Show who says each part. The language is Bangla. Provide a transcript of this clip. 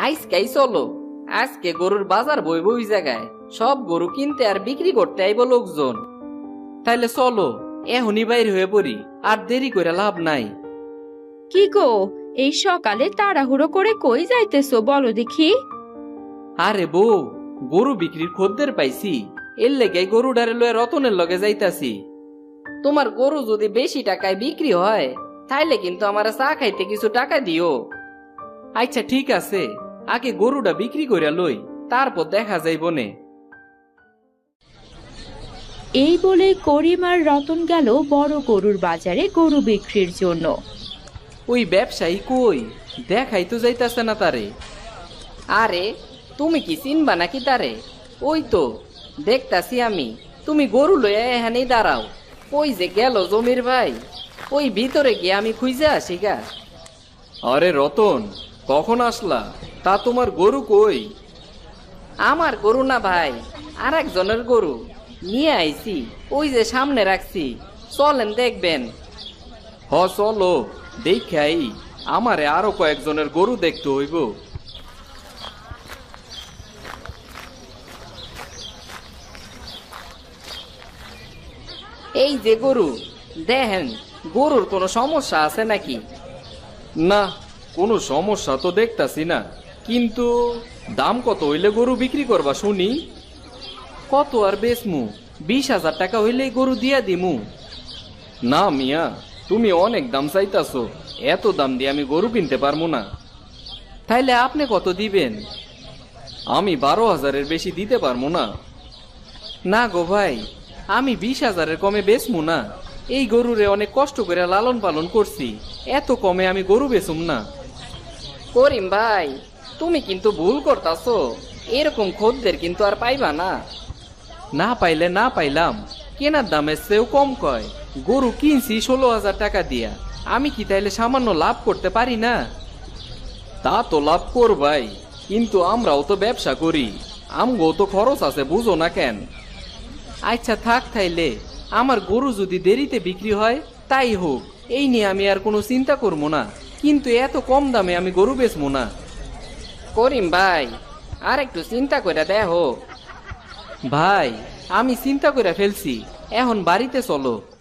Speaker 1: আজকেই চলো। আজকে গরুর বাজার বইব ওই জায়গায়, সব গরু কিনতে আর বিক্রি করতে আইব লোকজন। তাইলে চলো, এখনই বাইর হয়ে পড়ি, আর দেরি করে লাভ নাই।
Speaker 2: কি গো, এই সকালে তাড়াহুড়ো করে কই যাইতেছো বলো দেখি?
Speaker 1: আরে বউ, গরু বিক্রির খদ্দের পাইছি, এর লেগে গরুডারে লয়ে রতনের লগে যাইতাছি। তোমার গরু যদি বেশি টাকায় বিক্রি হয় তাইলে কিন্তু আমার চা খাইতে কিছু টাকা দিও। আচ্ছা ঠিক আছে, আগে গরুটা বিক্রি কইরা লই, তারপর দেখা যাইব নে।
Speaker 2: এই বলে করিম আর রতন গেল বড় গরুর বাজারে গরু বিক্রির জন্য।
Speaker 1: ওই ব্যবসায়ী কই, দেখাই তো যাইতাছে না তারে। আরে তুমি কি চিনবা নাকি তারে? ওই তো দেখতাছি আমি, তুমি গরু লইয়া এখানেই দাঁড়াও। ওই যে গেল জমির ভাই, ওই ভিতরে গিয়ে আমি খুঁজে আসি গা। আরে রতন, কখন আসলা? তা তোমার গরু কই? আমার গরু না ভাই, আর একজনের গরু নিয়ে আইছি, ওই যে সামনে রাখছি, চলেন দেখবেন। হ চলো, দেখাই, আমারে আরো কয়েকজনের গরু দেখতে হইব। এই যে গরু, দেখেন গরুর কোনো সমস্যা আছে নাকি? না, কোনো সমস্যা তো দেখতাছি না, কিন্তু দাম কত হইলে গরু বিক্রি করবা শুনি? কত আর বেচমু? 20,000 টাকা হইলেই গরু দিয়া দিমু। না মিয়া, তুমি অনেক দাম চাইতাছো, এত দাম দিয়ে আমি গরু কিনতে পারবো না। তাইলে আপনি কত দিবেন? আমি 12,000-এর বেশি দিতে পারবো না। না গো ভাই, আমি 20,000-এর কমে বেচমু না। এই গরুরে অনেক কষ্ট করে লালন পালন করছি, এত কমে আমি গরু বেচুম না। করিম ভাই, তুমি কিন্তু ভুল করতাছো, এরকম খদ্দের কিন্তু আর পাইবা না। না পাইলে না পাইলাম, কেনার দামের চেয়েও কম কয়। গরু কিনছি 16,000 টাকা দিয়া, আমি কি তাইলে সামান্য লাভ করতে পারি না? তা তো লাভ করবাই, কিন্তু আমরাও তো ব্যবসা করি, আমগো তো খরচ আছে, বুঝো না কেন? আচ্ছা থাক, তাইলে আমার গরু যদি দেরিতে বিক্রি হয় তাই হোক, এই নিয়ে আমি আর কোনো চিন্তা করবো না, কিন্তু এত কম দামে আমি গরু বেচবো না। করিম ভাই, আর একটু চিন্তা করে দেখো। ভাই, আমি চিন্তা করে ফেলছি, এখন বাড়িতে চলো।